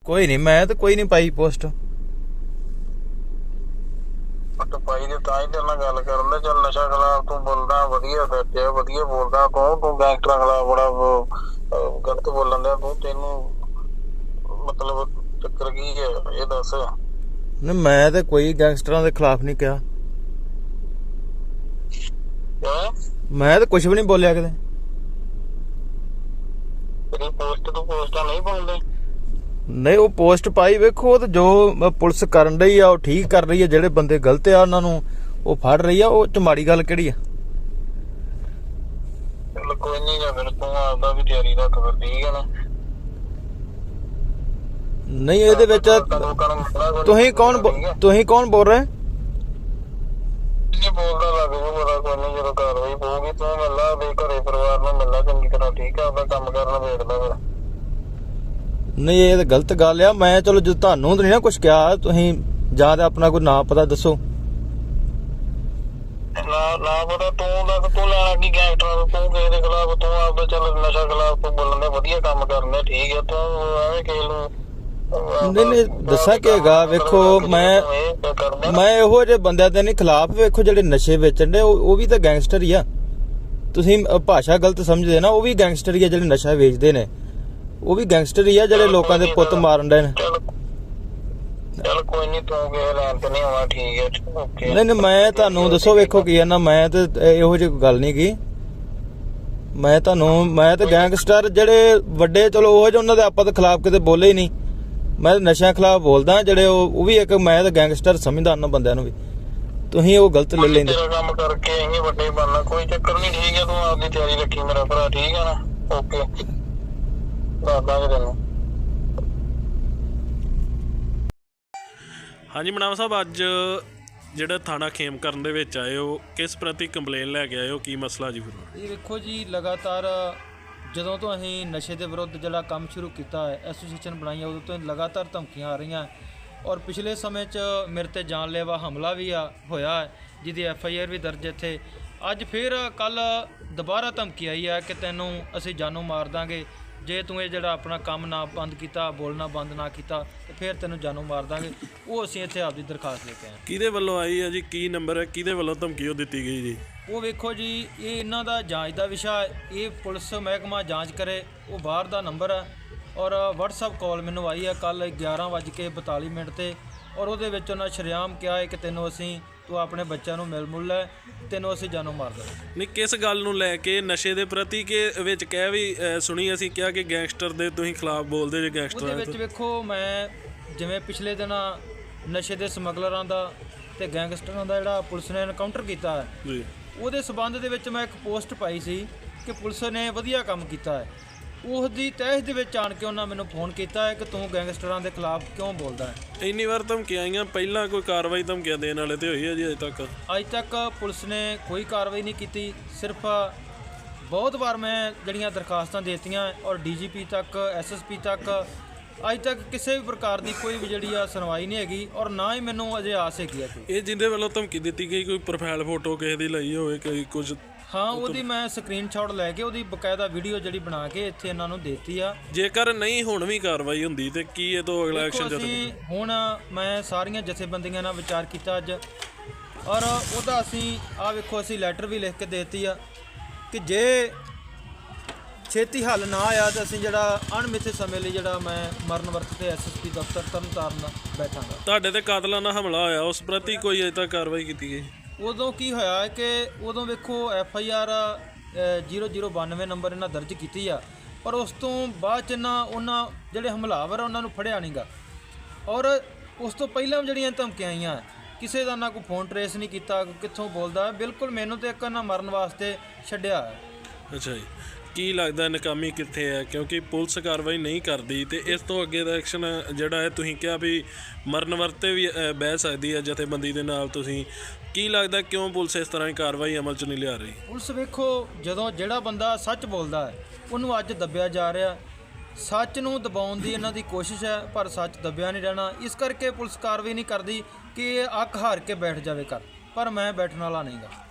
ਕੋਈ ਨਹੀਂ, ਮੈਂ ਤਾਂ ਕੋਈ ਨਹੀਂ ਪਾਈ ਪੋਸਟ। ਪਾਈ ਦੇ ਤਾਂ ਹੀ ਤੇਰੇ ਨਾਲ ਗੱਲ ਕਰਨ ਦੇ। ਚੱਲ ਨਸ਼ਾ ਖਿਲਾਫ ਤੂੰ ਬੋਲਦਾ, ਵਧੀਆ ਸੱਚਿਆ, ਵਧੀਆ ਬੋਲਦਾ। ਕੌਣ ਤੂੰ ਗੈਂਗਸਟਰਾਂ ਖਿਲਾਫ ਬੜਾ ਗਲਤ ਬੋਲਣ ਡਿਆ ਤੂੰ? ਤੈਨੂੰ ਮਤਲਬ ਚੱਕਰ ਕੀ ਹੈ ਇਹ ਦੱਸ। ਨਹੀਂ, ਮੈਂ ਤਾਂ ਕੋਈ ਗੈਂਗਸਟਰਾਂ ਦੇ ਖਿਲਾਫ ਨਹੀਂ ਕਿਹਾ। ਮੈਂ ਤਾਂ ਕੁਝ ਵੀ ਨਹੀਂ ਬੋਲਿਆ ਕਿਤੇ। ਤੇਰੀ ਪੋਸਟ ਤੋਂ ਪੋਸਟਾਂ ਨਹੀਂ ਪਾਉਂਦੇ? ਨਹੀਂ, ਉਹ ਪੋਸਟ ਪਾਈ ਵੇਖੋ, ਤੇ ਜੋ ਪੁਲਿਸ ਕਰਨ ਰਹੀ ਆ ਉਹ ਠੀਕ ਕਰ ਰਹੀ ਆ। ਜਿਹੜੇ ਬੰਦੇ ਗਲਤ ਆ ਉਹਨਾਂ ਨੂੰ ਉਹ ਫੜ ਰਹੀ ਆ। ਉਹ ਚ ਮਾੜੀ ਗੱਲ ਕਿਹੜੀ ਆ? ਚੱਲ ਕੋਈ ਨਹੀਂ, ਜਾਂ ਫਿਰ ਤੂੰ ਆਪਦਾ ਵੀ ਤਿਆਰੀ ਰੱਖ ਫਿਰ, ਠੀਕ ਹੈ ਨਾ? ਨਹੀਂ, ਇਹਦੇ ਵਿੱਚ ਤੁਸੀਂ ਕੌਣ ਬੋਲ ਰਹੇ? ਬੋਲਦਾ ਲੱਗ ਜੂ ਪਤਾ। ਕੋਈ ਨਹੀਂ, ਜਦੋਂ ਕਾਰਵਾਈ ਪਊਗੀ ਤੂੰ ਮਿਲਣਾ ਦੇ ਘਰੇ, ਪਰਿਵਾਰ ਨੂੰ ਮਿਲਣਾ ਚੰਗੀ ਤਰ੍ਹਾਂ, ਠੀਕ ਆ? ਆਪਦਾ ਕੰਮ ਕਰਨਾ ਵੇਖਦਾ ਫਿਰ। ਨਹੀਂ, ਇਹ ਤਾਂ ਗਲਤ ਗੱਲ ਆ। ਮੈਂ ਚਲੋ ਜੇ ਤੁਹਾਨੂੰ ਤਾਂ ਨਹੀਂ ਨਾ ਕੁਝ ਕਿਹਾ, ਤੁਸੀਂ ਜਾਂ ਤਾਂ ਆਪਣਾ ਕੋਈ ਨਾਂ ਪਤਾ ਦੱਸੋ। ਨਾ ਪਤਾ ਤੂੰ ਦੱਸ, ਤੂੰ ਲੈਣਾ ਕੀ ਗੈਂਗਸਟਰਾਂ ਤੋਂ? ਤੂੰ ਕਿਸੇ ਦੇ ਖਿਲਾਫ, ਤੂੰ ਆਪਦਾ ਚੱਲ ਨਸ਼ਾ ਖਿਲਾਫ ਤੂੰ ਬੋਲਣ ਦੇ, ਵਧੀਆ ਕੰਮ ਕਰਨੇ, ਠੀਕ ਹੈ? ਤੂੰ ਐਵੇਂ ਕਿਸੇ ਨੂੰ ਨਹੀਂ ਦੱਸਾਂ ਕੀ ਹੈਗਾ, ਵੇਖੋ ਮੈਂ ਇਹੋ ਜਿਹੇ ਬੰਦਿਆਂ ਦੇ ਨਹੀਂ ਖਿਲਾਫ। ਵੇਖੋ ਜਿਹੜੇ ਨਸ਼ੇ ਵੇਚਣ ਦੇ ਉਹ ਵੀ ਤਾਂ ਗੈਂਗਸਟਰ ਹੀ ਆ। ਤੁਸੀਂ ਭਾਸ਼ਾ ਗਲਤ ਸਮਝਦੇ ਨਾ, ਉਹ ਵੀ ਗੈਂਗਸਟਰ ਹੀ ਆ। ਜਿਹੜੇ ਨਸ਼ਾ ਵੇਚਦੇ ਨੇ ਉਹ ਵੀ ਗੈਂਗਸਟਰ ਹੀ ਆ, ਜਿਹੜੇ ਲੋਕਾਂ ਦੇ ਪੁੱਤ ਮਾਰਨ ਦੇ ਨੇ। ਚੱਲ ਕੋਈ ਨਹੀਂ, ਤੂੰ ਕਿਸੇ ਲੈਣ ਤੇ ਨਹੀਂ ਆਉਣਾ, ਠੀਕ ਹੈ? ਓਕੇ। ਨਹੀਂ, ਮੈਂ ਤੁਹਾਨੂੰ ਦੱਸੋ, ਵੇਖੋ ਕੀ ਆ ਨਾ, ਮੈਂ ਤੇ ਇਹੋ ਜਿਹੀ ਗੱਲ ਨਹੀਂ ਕੀ। ਮੈਂ ਤਾਂ ਗੈਂਗਸਟਰ ਜਿਹੜੇ ਵੱਡੇ, ਚਲੋ ਉਹ ਜਿਹੇ ਉਹਨਾਂ ਦੇ ਆਪਾਂ ਦੇ ਖਿਲਾਫ ਕਿਤੇ ਬੋਲੇ ਹੀ ਨਹੀਂ। ਮੈਂ ਨਸ਼ਿਆਂ ਖਿਲਾਫ ਬੋਲਦਾ। ਜਿਹੜੇ ਉਹ ਵੀ ਇੱਕ, ਮੈਂ ਤਾਂ ਗੈਂਗਸਟਰ ਸਮਝਦਾ ਉਹਨਾਂ ਬੰਦਿਆਂ ਨੂੰ ਵੀ। ਤੁਸੀਂ ਉਹ ਗਲਤ ਲੈ ਲੈਂਦੇ। ਤੇਰਾ ਕੰਮ ਕਰਕੇ ਅਸੀਂ ਵੱਡੇ ਬਣਨਾ, ਕੋਈ ਚੱਕਰ ਨਹੀਂ, ਠੀਕ ਹੈ? ਤੂੰ ਆਪਦੀ ਤਿਆਰੀ ਰੱਖੀ ਮੇਰਾ ਭਰਾ, ਠੀਕ ਹੈ ਨਾ? ਓਕੇ, ਦੱਸ ਦਾਂਗੇ ਤੈਨੂੰ। ਹਾਂਜੀ ਮਨਾਮ ਸਾਹਿਬ, ਅੱਜ ਜਿਹੜਾ ਥਾਣਾ ਖੇਮਕਰਨ ਦੇ ਵਿੱਚ ਆਏ ਹੋ, ਕਿਸ ਪ੍ਰਤੀ ਕੰਪਲੇਨ ਲੈ ਕੇ ਆਏ ਹੋ? ਕੀ ਮਸਲਾ ਜੀ? ਫਿਰ ਇਹ ਵੇਖੋ ਜੀ, ਲਗਾਤਾਰ ਜਦੋਂ ਤੋਂ ਅਸੀਂ ਨਸ਼ੇ ਦੇ ਵਿਰੁੱਧ ਜਿਹੜਾ ਕੰਮ ਸ਼ੁਰੂ ਕੀਤਾ ਹੈ, ਐਸੋਸੀਏਸ਼ਨ ਬਣਾਈ, ਉਦੋਂ ਤੋਂ ਲਗਾਤਾਰ ਧਮਕੀਆਂ ਆ ਰਹੀਆਂ। ਔਰ ਪਿਛਲੇ ਸਮੇਂ 'ਚ ਮੇਰੇ ਤੇ ਜਾਨਲੇਵਾ ਹਮਲਾ ਵੀ ਹੋਇਆ ਹੈ, ਜਿਹਦੀ FIR ਵੀ ਦਰਜ ਇੱਥੇ। ਅੱਜ ਫਿਰ ਕੱਲ ਦੁਬਾਰਾ ਧਮਕੀ ਆਈ ਹੈ ਕਿ ਤੈਨੂੰ ਅਸੀਂ ਜਾਨੋਂ ਮਾਰ ਦਾਂਗੇ ਜੇ ਤੂੰ ਇਹ ਜਿਹੜਾ ਆਪਣਾ ਕੰਮ ਨਾ ਬੰਦ ਕੀਤਾ, ਬੋਲਣਾ ਬੰਦ ਨਾ ਕੀਤਾ, ਤੇ ਫਿਰ ਤੈਨੂੰ ਜਾਨੋਂ ਮਾਰ ਦਾਂਗੇ। ਉਹ ਅਸੀਂ ਇੱਥੇ ਆਪਦੀ ਦਰਖਾਸਤ ਲੈ ਕੇ ਆਏ। ਕਿਹਦੇ ਵੱਲੋਂ ਆਈ ਹੈ ਜੀ? ਕੀ ਨੰਬਰ ਹੈ? ਕਿਹਦੇ ਵੱਲੋਂ ਧਮਕੀ ਉਹ ਦਿੱਤੀ ਗਈ ਜੀ? ਉਹ ਵੇਖੋ ਜੀ, ਇਹ ਇਹਨਾਂ ਦਾ ਜਾਂਚ ਦਾ ਵਿਸ਼ਾ ਹੈ। ਇਹ ਪੁਲਿਸ ਮਹਿਕਮਾ ਜਾਂਚ ਕਰੇ। ਉਹ ਬਾਹਰ ਦਾ ਨੰਬਰ ਹੈ। ਔਰ WhatsApp ਕਾਲ ਮੈਨੂੰ ਆਈ ਹੈ ਕੱਲ 11:42 ਤੇ। ਔਰ ਉਹਦੇ ਵਿੱਚ ਉਹਨਾਂ ਸ਼ਰੇਆਮ ਕਿਹਾ ਹੈ ਕਿ ਤੈਨੂੰ ਤੂੰ ਆਪਣੇ ਬੱਚਿਆਂ ਨੂੰ ਮਿਲ ਲੈ, ਤੈਨੂੰ ਅਸੀਂ ਜਾਨੋਂ ਮਾਰ ਦੇਵਾਂਗੇ। ਨਹੀਂ, ਕਿਸ ਗੱਲ ਨੂੰ ਲੈ ਕੇ? ਨਸ਼ੇ ਦੇ ਪ੍ਰਤੀ ਕਿ ਵਿੱਚ ਕਹਿ ਵੀ ਸੁਣੀ ਅਸੀਂ ਕਿਹਾ ਕਿ ਗੈਂਗਸਟਰ ਦੇ ਤੁਸੀਂ ਖਿਲਾਫ ਬੋਲਦੇ ਜੇ ਗੈਂਗਸਟਰਾਂ ਦੇ? ਉਹਦੇ ਵਿੱਚ ਵੇਖੋ, ਮੈਂ ਜਿਵੇਂ ਪਿਛਲੇ ਦਿਨ ਨਸ਼ੇ ਦੇ ਸਮਗਲਰਾਂ ਦਾ ਤੇ ਗੈਂਗਸਟਰਾਂ ਦਾ ਜਿਹੜਾ ਪੁਲਿਸ ਨੇ ਐਨਕਾਊਂਟਰ ਕੀਤਾ ਹੈ ਜੀ, ਉਹਦੇ ਸਬੰਧ ਦੇ ਵਿੱਚ ਮੈਂ ਇੱਕ ਪੋਸਟ ਪਾਈ ਸੀ ਕਿ ਪੁਲਿਸ ਨੇ ਵਧੀਆ ਕੰਮ ਕੀਤਾ ਹੈ। ਉਸ ਦੀ ਤਹਿਸ ਦੇ ਵਿੱਚ ਆਣ ਕੇ ਉਹਨਾਂ ਮੈਨੂੰ ਫੋਨ ਕੀਤਾ ਹੈ ਕਿ ਤੂੰ ਗੈਂਗਸਟਰਾਂ ਦੇ ਖਿਲਾਫ ਕਿਉਂ ਬੋਲਦਾ ਹੈ। ਇੰਨੀ ਵਾਰ ਧਮਕੀਆਂ ਆਈਆਂ, ਪਹਿਲਾਂ ਕੋਈ ਕਾਰਵਾਈ ਧਮਕੀਆਂ ਦੇਣ ਵਾਲੇ ਤੇ ਹੋਈ ਹੈ ਜੀ? ਅਜੇ ਤੱਕ ਪੁਲਿਸ ਨੇ ਕੋਈ ਕਾਰਵਾਈ ਨਹੀਂ ਕੀਤੀ। ਸਿਰਫ ਬਹੁਤ ਵਾਰ ਮੈਂ ਜਿਹੜੀਆਂ ਦਰਖਾਸਤਾਂ ਦੇਤੀਆਂ, ਔਰ DGP ਤੱਕ, SSP ਤੱਕ, ਅੱਜ ਤੱਕ ਕਿਸੇ ਵੀ ਪ੍ਰਕਾਰ ਦੀ ਕੋਈ ਵੀ ਜਿਹੜੀ ਆ ਸੁਣਵਾਈ ਨਹੀਂ ਹੈਗੀ। ਔਰ ਨਾ ਹੀ ਮੈਨੂੰ ਅਜੇ ਆਸ ਹੈਗੀ ਆ। ਇਹ ਜਿਹਦੇ ਵੱਲੋਂ ਧਮਕੀ ਦਿੱਤੀ ਗਈ, ਕੋਈ ਪ੍ਰੋਫਾਈਲ ਫੋਟੋ ਕਿਸੇ ਦੀ ਲਈ ਹੋਵੇ, ਕੋਈ ਕੁਝ? ਹਾਂ, ਉਹਦੀ ਮੈਂ ਸਕਰੀਨਸ਼ਾਟ ਲੈ ਕੇ ਉਹਦੀ ਬਕਾਇਦਾ ਵੀਡੀਓ ਜਿਹੜੀ ਬਣਾ ਕੇ ਇੱਥੇ ਇਹਨਾਂ ਨੂੰ ਦੇਤੀ ਆ। ਜੇਕਰ ਨਹੀਂ ਹੁਣ ਵੀ ਕਾਰਵਾਈ ਹੁੰਦੀ ਤੇ ਕੀ ਇਹ ਤੋਂ ਅਗਲਾ ਐਕਸ਼ਨ ਅਸੀਂ ਹੁਣ ਮੈਂ ਸਾਰੀਆਂ ਜਥੇਬੰਦੀਆਂ ਨਾਲ ਵਿਚਾਰ ਕੀਤਾ ਅੱਜ, ਔਰ ਉਹਦਾ ਅਸੀਂ ਵੇਖੋ ਅਸੀਂ ਲੈਟਰ ਵੀ ਲਿਖ ਕੇ ਦੇਤੀ ਆ ਕਿ ਜੇ ਛੇਤੀ ਹੱਲ ਨਾ ਆਇਆ ਤਾਂ ਅਸੀਂ ਜਿਹੜਾ ਅਣਮਿੱਥੇ ਸਮੇਂ ਲਈ ਜਿਹੜਾ ਮੈਂ ਮਰਨ ਵਰਤ ਤੇ SSP ਦਫ਼ਤਰ ਤਰਨਤਾਰਨ ਬੈਠਾਂਗਾ। ਤੁਹਾਡੇ ਤੇ ਕਾਤਲਾਨਾ ਹਮਲਾ ਹੋਇਆ, ਉਸ ਪ੍ਰਤੀ ਕੋਈ ਅਜੇ ਤੱਕ ਕਾਰਵਾਈ ਕੀਤੀ ਗਈ? ਉਦੋਂ ਕੀ ਹੋਇਆ ਕਿ ਉਦੋਂ ਵੇਖੋ FIR 0092 ਨੰਬਰ ਇਹਨਾਂ ਦਰਜ ਕੀਤੀ ਆ, ਪਰ ਉਸ ਤੋਂ ਬਾਅਦ 'ਚ ਉਹਨਾਂ ਜਿਹੜੇ ਹਮਲਾਵਰ ਆ ਉਹਨਾਂ ਨੂੰ ਫੜਿਆ ਨਹੀਂ ਗਾ। ਔਰ ਉਸ ਤੋਂ ਪਹਿਲਾਂ ਜਿਹੜੀਆਂ ਧਮਕੀਆਂ ਆਈਆਂ, ਕਿਸੇ ਦਾ ਨਾ ਕੋਈ ਫੋਨ ਟਰੇਸ ਨਹੀਂ ਕੀਤਾ, ਕਿੱਥੋਂ ਬੋਲਦਾ। ਬਿਲਕੁਲ ਮੈਨੂੰ ਤਾਂ ਇੱਕ ਨਾ ਮਰਨ ਵਾਸਤੇ ਛੱਡਿਆ ਹੈ। ਅੱਛਾ ਜੀ, ਕੀ ਲੱਗਦਾ ਨਾਕਾਮੀ ਕਿੱਥੇ ਹੈ? ਕਿਉਂਕਿ ਪੁਲਿਸ ਕਾਰਵਾਈ ਨਹੀਂ ਕਰਦੀ ਤੇ ਇਸ ਤੋਂ ਅੱਗੇ ਦਾ ਐਕਸ਼ਨ ਜਿਹੜਾ ਹੈ, ਤੁਸੀਂ ਕਿਹਾ ਵੀ ਮਰਨ ਵਰਤੇ ਵੀ ਬਹਿ ਸਕਦੀ ਹੈ ਜਥੇਬੰਦੀ ਦੇ ਨਾਲ, ਤੁਸੀਂ ਕੀ ਲੱਗਦਾ ਕਿਉਂ ਪੁਲਿਸ ਇਸ ਤਰ੍ਹਾਂ ਦੀ ਕਾਰਵਾਈ ਅਮਲ 'ਚ ਨਹੀਂ ਲਿਆ ਰਹੀ? ਪੁਲਿਸ ਵੇਖੋ, ਜਦੋਂ ਜਿਹੜਾ ਬੰਦਾ ਸੱਚ ਬੋਲਦਾ ਹੈ ਉਹਨੂੰ ਅੱਜ ਦੱਬਿਆ ਜਾ ਰਿਹਾ। ਸੱਚ ਨੂੰ ਦਬਾਉਣ ਦੀ ਇਹਨਾਂ ਦੀ ਕੋਸ਼ਿਸ਼ ਹੈ, ਪਰ ਸੱਚ ਦੱਬਿਆ ਨਹੀਂ ਰਹਿਣਾ। ਇਸ ਕਰਕੇ ਪੁਲਿਸ ਕਾਰਵਾਈ ਨਹੀਂ ਕਰਦੀ ਕਿ ਅੱਖ ਹਾਰ ਕੇ ਬੈਠ ਜਾਵੇ ਕਰ, ਪਰ ਮੈਂ ਬੈਠਣ ਵਾਲਾ ਨਹੀਂ ਗਾ।